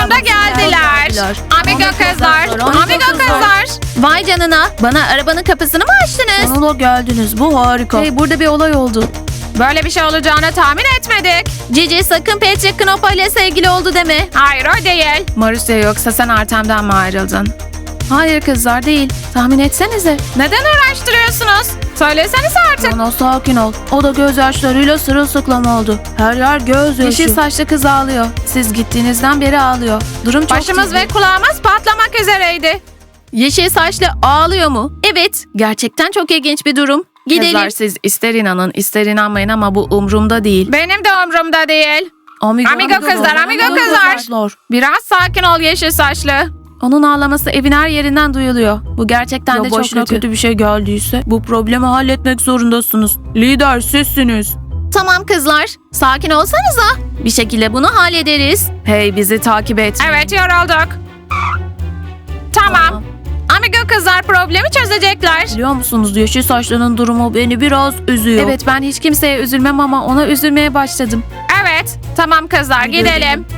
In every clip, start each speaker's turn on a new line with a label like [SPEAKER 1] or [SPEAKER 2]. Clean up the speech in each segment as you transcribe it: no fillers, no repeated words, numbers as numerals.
[SPEAKER 1] Sonunda geldiler. Amigo kızlar. Amigo kızlar.
[SPEAKER 2] Vay canına. Bana arabanın kapısını mı açtınız?
[SPEAKER 3] Sonunda geldiniz. Bu harika.
[SPEAKER 2] Hey, burada bir olay oldu.
[SPEAKER 1] Böyle bir şey olacağını tahmin etmedik.
[SPEAKER 2] Cici sakın Patrick Knopa ile sevgili oldu deme.
[SPEAKER 1] Hayır o değil.
[SPEAKER 3] Marusya yoksa sen Artem'den mi ayrıldın?
[SPEAKER 2] Hayır kızlar değil. Tahmin etsenize.
[SPEAKER 1] Neden uğraştırıyorsunuz? Söylesenize artık.
[SPEAKER 3] Ana sakin ol. O da gözyaşlarıyla sırılsıklam oldu. Her yer gözyaşı.
[SPEAKER 2] Yeşil saçlı kız ağlıyor. Siz gittiğinizden beri ağlıyor. Durum çok
[SPEAKER 1] Başımız
[SPEAKER 2] ciddi.
[SPEAKER 1] ve kulağımız patlamak üzereydi.
[SPEAKER 2] Yeşil saçlı ağlıyor mu? Evet. Gerçekten çok ilginç bir durum. Gidelim.
[SPEAKER 3] Kızlar siz ister inanın ister inanmayın ama bu umrumda değil.
[SPEAKER 1] Benim de umurumda değil.
[SPEAKER 3] Amigo
[SPEAKER 1] kızlar. Biraz sakin ol yeşil saçlı.
[SPEAKER 2] Onun ağlaması evin her yerinden duyuluyor. Bu gerçekten de
[SPEAKER 3] Ya
[SPEAKER 2] çok
[SPEAKER 3] başına
[SPEAKER 2] kötü.
[SPEAKER 3] kötü bir şey geldiyse bu problemi halletmek zorundasınız. Lider sizsiniz.
[SPEAKER 2] Tamam kızlar. Sakin olsanıza. Bir şekilde bunu hallederiz.
[SPEAKER 3] Hey bizi takip et.
[SPEAKER 1] Evet yorulduk. Tamam. Amigo kızlar problemi çözecekler.
[SPEAKER 3] Biliyor musunuz yeşil saçlının durumu beni biraz üzüyor.
[SPEAKER 2] Evet, ben hiç kimseye üzülmem ama ona üzülmeye başladım.
[SPEAKER 1] Evet. Tamam kızlar gidelim.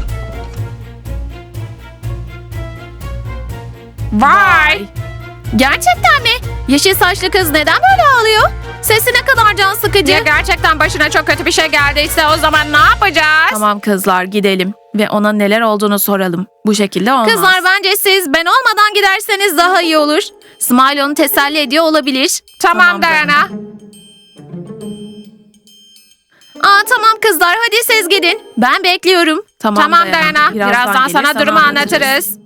[SPEAKER 1] Vay.
[SPEAKER 2] Gerçekten mi? Yeşil saçlı kız neden böyle ağlıyor? Sesi ne kadar can sıkıcı.
[SPEAKER 1] Ya gerçekten başına çok kötü bir şey geldiyse o zaman ne yapacağız?
[SPEAKER 3] Tamam kızlar gidelim ve ona neler olduğunu soralım. Bu şekilde olmaz.
[SPEAKER 2] Kızlar bence siz ben olmadan giderseniz daha iyi olur. Smile onu teselli ediyor olabilir.
[SPEAKER 1] Tamam Dayana.
[SPEAKER 2] Tamam kızlar hadi siz gidin. Ben bekliyorum.
[SPEAKER 1] Tamam Dayana. Birazdan sana durumu anlatırız.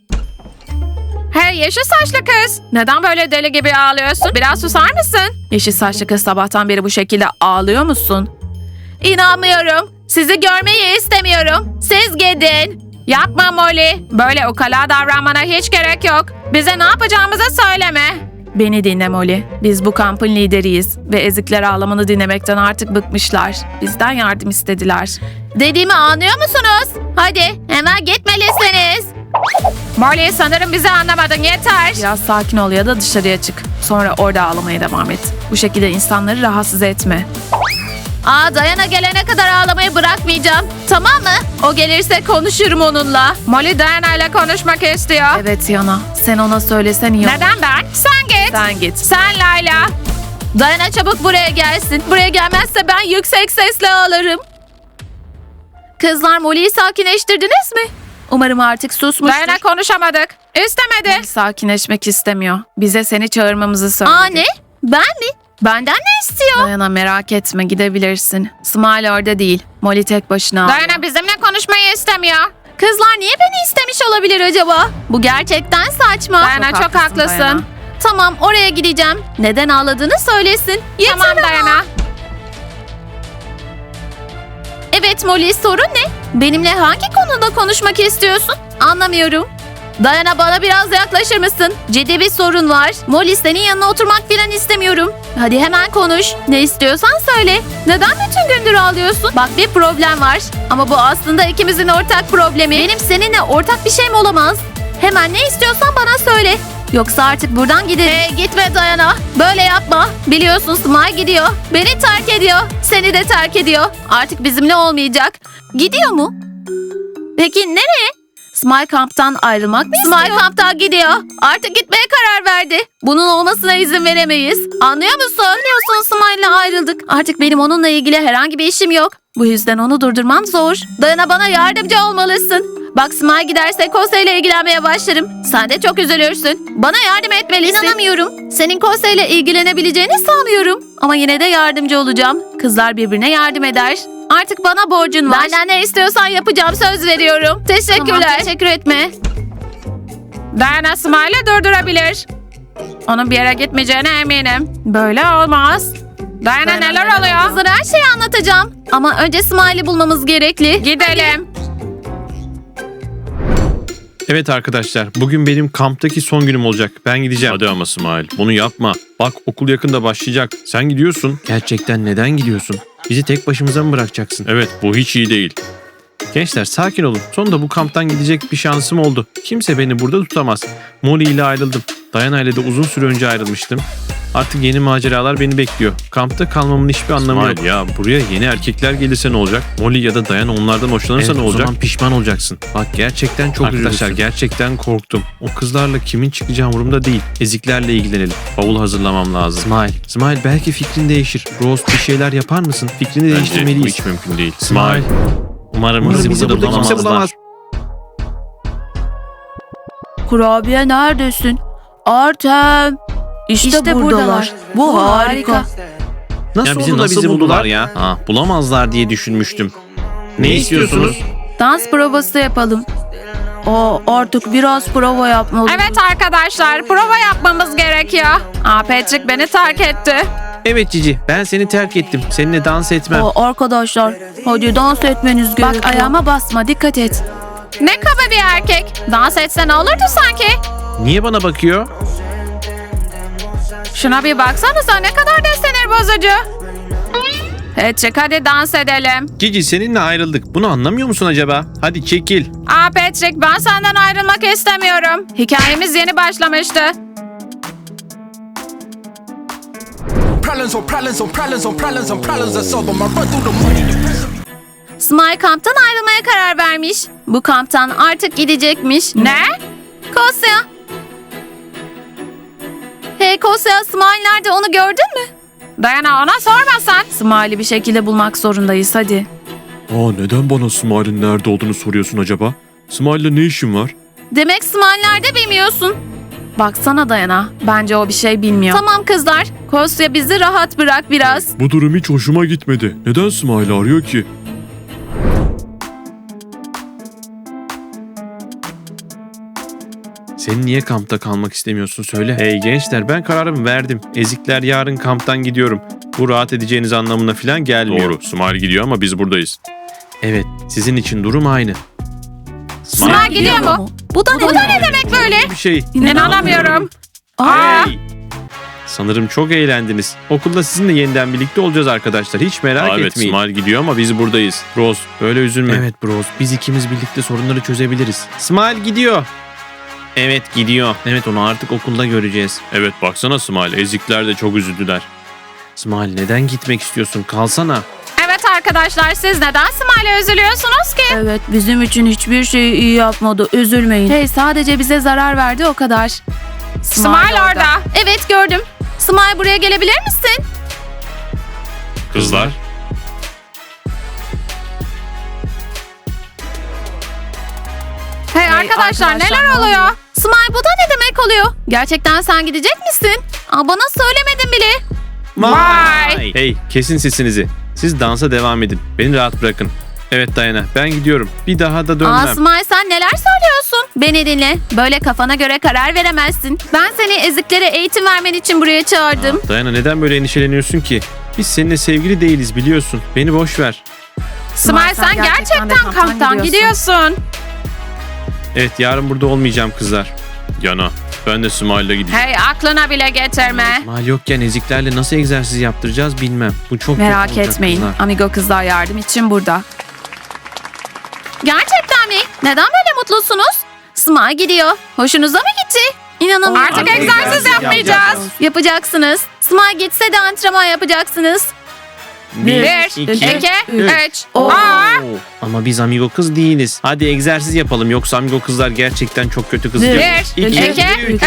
[SPEAKER 1] Hey yeşil saçlı kız. Neden böyle deli gibi ağlıyorsun? Biraz susar mısın?
[SPEAKER 3] Yeşil saçlı kız sabahtan beri bu şekilde ağlıyor musun?
[SPEAKER 2] İnanmıyorum. Sizi görmeyi istemiyorum. Siz gidin.
[SPEAKER 1] Yapma Molly. Böyle ukala davranmana hiç gerek yok. Bize ne yapacağımızı söyleme.
[SPEAKER 3] Beni dinle Molly. Biz bu kampın lideriyiz ve ezikler ağlamanı dinlemekten artık bıkmışlar. Bizden yardım istediler.
[SPEAKER 2] Dediğimi anlıyor musunuz? Hadi hemen gitmelisiniz.
[SPEAKER 1] Molly sanırım bizi anlamadın yeter.
[SPEAKER 3] Biraz sakin ol ya da dışarıya çık. Sonra orada ağlamaya devam et. Bu şekilde insanları rahatsız etme.
[SPEAKER 2] Dayana gelene kadar ağlamayı bırakmayacağım. Tamam mı? O gelirse konuşurum onunla.
[SPEAKER 1] Molly Dayana ile konuşmak istiyor.
[SPEAKER 3] Evet Yana. Sen ona söylesen iyi olur.
[SPEAKER 1] Neden ben? Sen git.
[SPEAKER 3] Sen git.
[SPEAKER 1] Sen Layla.
[SPEAKER 2] Dayana çabuk buraya gelsin. Buraya gelmezse ben yüksek sesle ağlarım. Kızlar Molly'yi sakinleştirdiniz mi? Umarım artık susmuştur.
[SPEAKER 1] Dayana konuşamadık. İstemedi.
[SPEAKER 3] Sakinleşmek istemiyor. Bize seni çağırmamızı söyledi.
[SPEAKER 2] Ne? Ben mi? Benden ne istiyor?
[SPEAKER 3] Dayana merak etme gidebilirsin. Smile orada değil. Molly tek başına.
[SPEAKER 1] Dayana bizimle konuşmayı istemiyor.
[SPEAKER 2] Kızlar niye beni istemiş olabilir acaba? Bu gerçekten saçma.
[SPEAKER 1] Dayana çok haklısın.
[SPEAKER 3] Dayana.
[SPEAKER 2] Tamam oraya gideceğim. Neden ağladığını söylesin. Yeter
[SPEAKER 1] Tamam
[SPEAKER 2] ama.
[SPEAKER 1] Dayana.
[SPEAKER 2] Evet Molly sorun ne? Benimle hangi konuda konuşmak istiyorsun? Anlamıyorum. Dayana bana biraz yaklaşır mısın? Ciddi bir sorun var. Molly senin yanına oturmak falan istemiyorum. Hadi hemen konuş. Ne istiyorsan söyle. Neden bütün gündür ağlıyorsun? Bak bir problem var. Ama bu aslında ikimizin ortak problemi. Benim seninle ortak bir şeyim olamaz. Hemen ne istiyorsan bana söyle. Yoksa artık buradan gidelim. Hey gitme Dayana. Böyle yapma. Biliyorsun Smile gidiyor. Beni terk ediyor. Seni de terk ediyor. Artık bizimle olmayacak. Gidiyor mu? Peki nereye? Smile kamptan ayrılmak mı istiyor? Smile kamptan gidiyor. Artık gitmeye karar verdi. Bunun olmasına izin veremeyiz. Anlıyor musun? Biliyorsun Smile'la ayrıldık. Artık benim onunla ilgili herhangi bir işim yok. Bu yüzden onu durdurmam zor. Dayana bana yardımcı olmalısın. Bak Smile giderse Kose ile ilgilenmeye başlarım. Sen de çok üzülürsün. Bana yardım etmelisin. İnanamıyorum. Senin Kose ile ilgilenebileceğini sanmıyorum. Ama yine de yardımcı olacağım. Kızlar birbirine yardım eder. Artık bana borcun var. Benden ne istiyorsan yapacağım söz veriyorum. Teşekkürler. Tamam, teşekkür etme.
[SPEAKER 1] Dayana Smile'ı durdurabilir. Onun bir yere gitmeyeceğine eminim. Böyle olmaz. Dayana neler oluyor?
[SPEAKER 2] Kızlara her şeyi anlatacağım. Ama önce Smile'i bulmamız gerekli.
[SPEAKER 1] Gidelim.
[SPEAKER 4] Evet arkadaşlar, bugün benim kamptaki son günüm olacak. Ben gideceğim. Hadi ama İsmail, bunu yapma. Bak okul yakında başlayacak. Sen gidiyorsun. Gerçekten neden gidiyorsun? Bizi tek başımıza mı bırakacaksın? Evet, bu hiç iyi değil. Gençler sakin olun. Sonunda bu kamptan gidecek bir şansım oldu. Kimse beni burada tutamaz. Molly ile ayrıldım. Diana ile de uzun süre önce ayrılmıştım. Artık yeni maceralar beni bekliyor. Kampta kalmamın hiçbir anlamı yok. Ya buraya yeni erkekler gelirse ne olacak? Molly ya da Dayan onlardan hoşlanırsa ne olacak? O zaman pişman olacaksın. Bak gerçekten çok Arkadaşlar gerçekten korktum. O kızlarla kimin çıkacağı umurumda değil. Eziklerle ilgilenelim. Bavul hazırlamam lazım. Smile belki fikrin değişir. Rose bir şeyler yapar mısın? Fikrini değiştirmeliyiz. Bu hiç mümkün değil. Smile. Umarım bizi burada kimse bulamaz.
[SPEAKER 2] Kurabiye neredesin? Artem. İşte buradalar. Bu harika.
[SPEAKER 4] Nasıl oldu da bizi buldular ya? Bulamazlar diye düşünmüştüm. Ne istiyorsunuz?
[SPEAKER 2] Dans provası yapalım. Artık biraz prova yapmalıyız.
[SPEAKER 1] Evet arkadaşlar, prova yapmamız gerekiyor. Patrick beni terk etti.
[SPEAKER 4] Evet Cici, ben seni terk ettim. Seninle dans etmem.
[SPEAKER 2] Arkadaşlar, hadi dans etmeniz gerekiyor.
[SPEAKER 3] Bak ayağıma basma, dikkat et.
[SPEAKER 1] Ne kaba bir erkek. Dans etse ne olurdu sanki?
[SPEAKER 4] Niye bana bakıyor?
[SPEAKER 1] Şuna bir baksanıza, ne kadar da sinir bozucu. Patrick hadi dans edelim.
[SPEAKER 4] Cici seninle ayrıldık. Bunu anlamıyor musun acaba? Hadi çekil.
[SPEAKER 1] Patrick, ben senden ayrılmak istemiyorum. Hikayemiz yeni başlamıştı.
[SPEAKER 5] Problems on problems on problems on problems on problems I solve them. I run through the money.
[SPEAKER 2] Smile kamptan ayrılmaya karar vermiş. Bu kamptan artık gidecekmiş.
[SPEAKER 1] Ne?
[SPEAKER 2] Kosya. Hey Kosya, Smile nerede, onu gördün mü?
[SPEAKER 1] Dayana, ona sormasan.
[SPEAKER 3] Smile'i bir şekilde bulmak zorundayız, hadi.
[SPEAKER 4] Neden bana Smile'in nerede olduğunu soruyorsun acaba? Smile'le ne işin var?
[SPEAKER 2] Demek Smile nerede bilmiyorsun.
[SPEAKER 3] Baksana Dayana, bence o bir şey bilmiyor.
[SPEAKER 2] Tamam kızlar, Kosya bizi rahat bırak biraz.
[SPEAKER 4] Bu durum hiç hoşuma gitmedi. Neden Smile arıyor ki? Sen niye kampta kalmak istemiyorsun söyle. Hey gençler, ben kararımı verdim. Ezikler yarın kamptan gidiyorum. Bu rahat edeceğiniz anlamına falan gelmiyor. Doğru, Smile gidiyor ama biz buradayız. Evet, sizin için durum aynı.
[SPEAKER 1] Smile gidiyor mu?
[SPEAKER 2] Bu da ne
[SPEAKER 1] demek böyle?
[SPEAKER 4] Bir şey.
[SPEAKER 1] İnanamıyorum.
[SPEAKER 4] Hey! Sanırım çok eğlendiniz. Okulda sizinle yeniden birlikte olacağız arkadaşlar. Hiç merak etmeyin. Evet, Smile gidiyor ama biz buradayız. Rose, böyle üzülme. Evet Rose, biz ikimiz birlikte sorunları çözebiliriz. Smile gidiyor. Evet gidiyor. Evet, onu artık okulda göreceğiz. Evet, baksana Smile, ezikler de çok üzüldüler. Smile, neden gitmek istiyorsun? Kalsana.
[SPEAKER 1] Evet arkadaşlar, siz neden Smile'e üzülüyorsunuz ki?
[SPEAKER 2] Evet, bizim için hiçbir şeyi iyi yapmadı. Üzülmeyin.
[SPEAKER 3] Hey, sadece bize zarar verdi, o kadar.
[SPEAKER 1] Smile orada.
[SPEAKER 2] Evet, gördüm. Smile, buraya gelebilir misin?
[SPEAKER 4] Kızlar.
[SPEAKER 1] Hey arkadaşlar, neler oluyor?
[SPEAKER 2] Smile, bu da ne demek oluyor? Gerçekten sen gidecek misin? Bana söylemedin bile.
[SPEAKER 1] Vay.
[SPEAKER 4] Hey, kesin sesinizi. Siz dansa devam edin. Beni rahat bırakın. Evet Dayana, ben gidiyorum. Bir daha da dönmem.
[SPEAKER 2] Smile, sen neler söylüyorsun? Beni dinle. Böyle kafana göre karar veremezsin. Ben seni eziklere eğitim vermen için buraya çağırdım.
[SPEAKER 4] Dayana, neden böyle endişeleniyorsun ki? Biz seninle sevgili değiliz, biliyorsun. Beni boş ver.
[SPEAKER 1] Smile, sen gerçekten kamptan gidiyorsun.
[SPEAKER 4] Evet, yarın burada olmayacağım kızlar. Yana, ben de Smile'la gideceğim.
[SPEAKER 1] Hey, aklına bile getirme.
[SPEAKER 4] Smile yokken eziklerle nasıl egzersiz yaptıracağız bilmem. Bu çok
[SPEAKER 3] Merak
[SPEAKER 4] kötü olacak
[SPEAKER 3] etmeyin,
[SPEAKER 4] kızlar.
[SPEAKER 3] Amigo kızlar yardım için burada.
[SPEAKER 2] Gerçekten mi? Neden böyle mutlusunuz? Smile gidiyor. Hoşunuza mı gitti? İnanamıyorum.
[SPEAKER 1] Artık egzersiz yapmayacağız.
[SPEAKER 2] Yapacaksınız. Smile gitse de antrenman yapacaksınız.
[SPEAKER 1] 1, 2, 3.
[SPEAKER 4] Oo. Ama biz amigo kız değiliz. Hadi egzersiz yapalım, yoksa amigo kızlar gerçekten çok kötü kız.
[SPEAKER 1] 1,
[SPEAKER 4] 2,
[SPEAKER 1] 2, 3.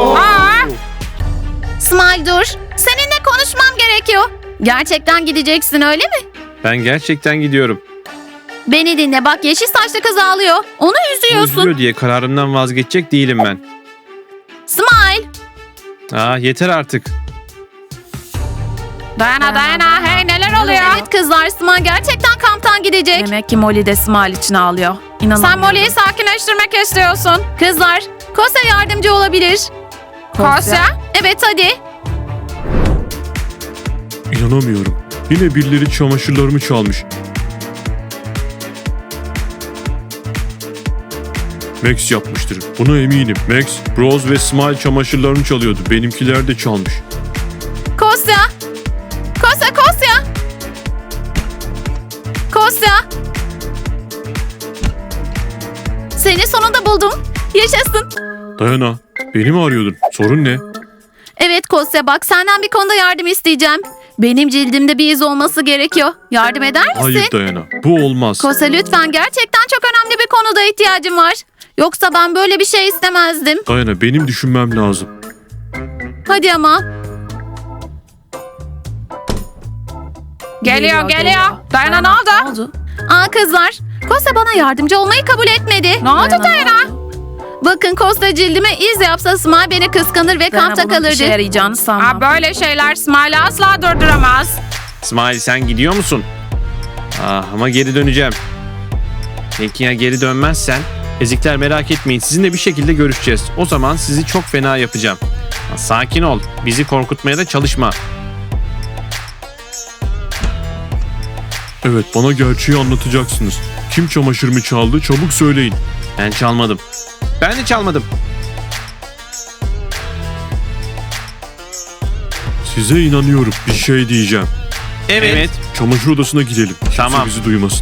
[SPEAKER 2] Smile, dur. Seninle konuşmam gerekiyor. Gerçekten gideceksin, öyle mi?
[SPEAKER 4] Ben gerçekten gidiyorum.
[SPEAKER 2] Beni dinle, bak yeşil saçlı kız ağlıyor. Onu üzüyorsun.
[SPEAKER 4] Üzülüyor diye kararımdan vazgeçecek değilim ben.
[SPEAKER 2] Smile.
[SPEAKER 4] Yeter artık.
[SPEAKER 1] Dayana, hey neler oluyor?
[SPEAKER 2] Evet kızlar, Smile gerçekten kamptan gidecek.
[SPEAKER 3] Demek ki Molly de Smile için ağlıyor. İnanamıyorum.
[SPEAKER 1] Sen Molly'yi sakinleştirmek istiyorsun.
[SPEAKER 2] Kızlar, Kosya yardımcı olabilir.
[SPEAKER 1] Kosya?
[SPEAKER 2] Evet, hadi.
[SPEAKER 4] İnanamıyorum. Yine birileri çamaşırlarımı çalmış. Max yapmıştır. Buna eminim. Max, Rose ve Smile çamaşırlarını çalıyordu. Benimkiler de çalmış.
[SPEAKER 2] Kosya. Seni sonunda buldum. Yaşasın.
[SPEAKER 4] Dayana, beni mi arıyordun? Sorun ne?
[SPEAKER 2] Evet Kosya bak senden bir konuda yardım isteyeceğim. Benim cildimde bir iz olması gerekiyor. Yardım eder misin?
[SPEAKER 4] Hayır Dayana, bu olmaz.
[SPEAKER 2] Kosya lütfen gerçekten çok önemli bir konuda ihtiyacım var. Yoksa ben böyle bir şey istemezdim.
[SPEAKER 4] Dayana, benim düşünmem lazım.
[SPEAKER 2] Hadi ama.
[SPEAKER 1] Geliyor. Dayana ne oldu?
[SPEAKER 2] Aa kızlar. Kosya bana yardımcı olmayı kabul etmedi.
[SPEAKER 1] Ne oldu Dayana?
[SPEAKER 2] Bakın Kosya cildime iz yapsa Smile beni kıskanır ve kampta
[SPEAKER 3] bunun işe
[SPEAKER 2] kalırdı.
[SPEAKER 3] yarayacağını sanmam.
[SPEAKER 1] Aa, böyle şeyler Smile'ı asla durduramaz.
[SPEAKER 4] İsmail, sen gidiyor musun? Ama geri döneceğim. Peki ya geri dönmezsen? Ezikler, merak etmeyin, sizinle bir şekilde görüşeceğiz. O zaman sizi çok fena yapacağım. Sakin ol, bizi korkutmaya da çalışma. Evet, bana gerçeği anlatacaksınız. Kim çamaşırımı çaldı, çabuk söyleyin. Ben çalmadım. Ben de çalmadım. Size inanıyorum, bir şey diyeceğim. Evet. Çamaşır odasına gidelim. Tamam. Kimse bizi duymasın.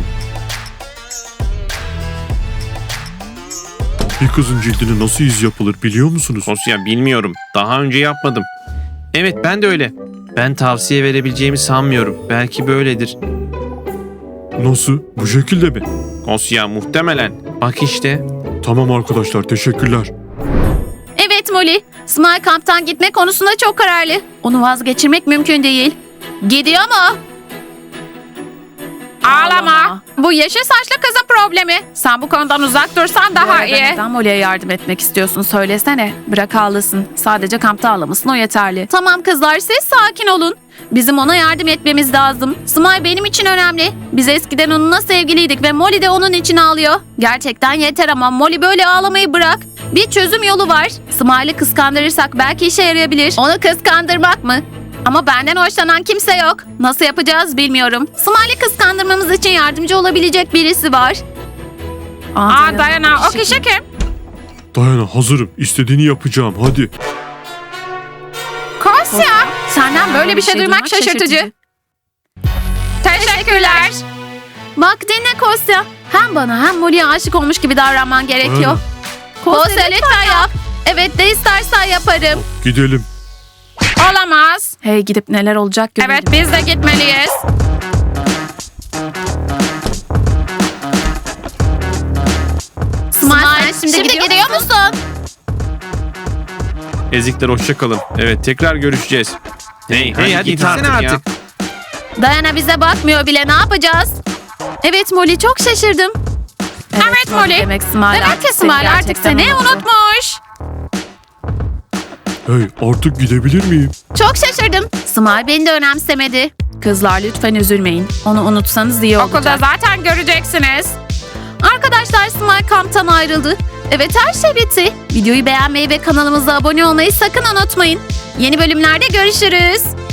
[SPEAKER 4] Bir kızın cildine nasıl iz yapılır biliyor musunuz? Kosya, bilmiyorum. Daha önce yapmadım. Evet, ben de öyle. Ben tavsiye verebileceğimi sanmıyorum. Belki böyledir. Nasıl? Bu şekilde mi? Kosya, muhtemelen. Bak işte. Tamam arkadaşlar, teşekkürler.
[SPEAKER 2] Evet Molly. Smile kamptan gitme konusunda çok kararlı. Onu vazgeçirmek mümkün değil. Gidiyor mu?
[SPEAKER 1] Ağlama. Bu yeşil saçlı kızın problemi. Sen bu konudan uzak dursan
[SPEAKER 3] Bu
[SPEAKER 1] daha
[SPEAKER 3] arada
[SPEAKER 1] iyi.
[SPEAKER 3] neden Molly'e yardım etmek istiyorsun söylesene. Bırak ağlasın. Sadece kampta ağlamasın, o yeterli.
[SPEAKER 2] Tamam kızlar siz sakin olun. Bizim ona yardım etmemiz lazım. Smile benim için önemli. Biz eskiden onunla sevgiliydik ve Molly de onun için ağlıyor. Gerçekten yeter ama Molly böyle ağlamayı bırak. Bir çözüm yolu var. Smile'ı kıskandırırsak belki işe yarayabilir. Onu kıskandırmak mı? Ama benden hoşlanan kimse yok. Nasıl yapacağız bilmiyorum. Smile'ı kıskandırmamız için yardımcı olabilecek birisi var.
[SPEAKER 1] Aa Dayana, o kişi kim?
[SPEAKER 4] Dayana, hazırım. İstediğini yapacağım. Hadi.
[SPEAKER 1] Kosya. Senden böyle bir şey duymak şaşırtıcı. Teşekkürler.
[SPEAKER 2] Bak dinle Kosya. Hem bana hem Molly'ye aşık olmuş gibi davranman gerekiyor.
[SPEAKER 4] Aynen.
[SPEAKER 2] Kosya lütfen yap. Evet de istersen yaparım.
[SPEAKER 4] Gidelim.
[SPEAKER 1] Olamaz.
[SPEAKER 3] Hey, gidip neler olacak görelim.
[SPEAKER 1] Evet, biz de gitmeliyiz.
[SPEAKER 2] Smile şimdi gidiyor musun?
[SPEAKER 4] Ezikler, hoşça kalın. Evet, tekrar görüşeceğiz. Hey hadi gitsene artık.
[SPEAKER 2] Dayana bize bakmıyor bile, ne yapacağız? Evet Molly çok şaşırdım.
[SPEAKER 1] Evet Molly.
[SPEAKER 3] Demek Smile
[SPEAKER 1] Demek
[SPEAKER 3] artık
[SPEAKER 1] ki
[SPEAKER 3] seni
[SPEAKER 1] Smile artık
[SPEAKER 3] gerçekten
[SPEAKER 1] seni
[SPEAKER 3] unuttu.
[SPEAKER 1] unutmuş.
[SPEAKER 4] Hey, artık gidebilir miyim?
[SPEAKER 2] Çok şaşırdım. Smile beni de önemsemedi.
[SPEAKER 3] Kızlar lütfen üzülmeyin. Onu unutsanız iyi olacak.
[SPEAKER 1] Okulda zaten göreceksiniz.
[SPEAKER 2] Arkadaşlar Smile kamptan ayrıldı. Evet her şey bitti. Videoyu beğenmeyi ve kanalımıza abone olmayı sakın unutmayın. Yeni bölümlerde görüşürüz.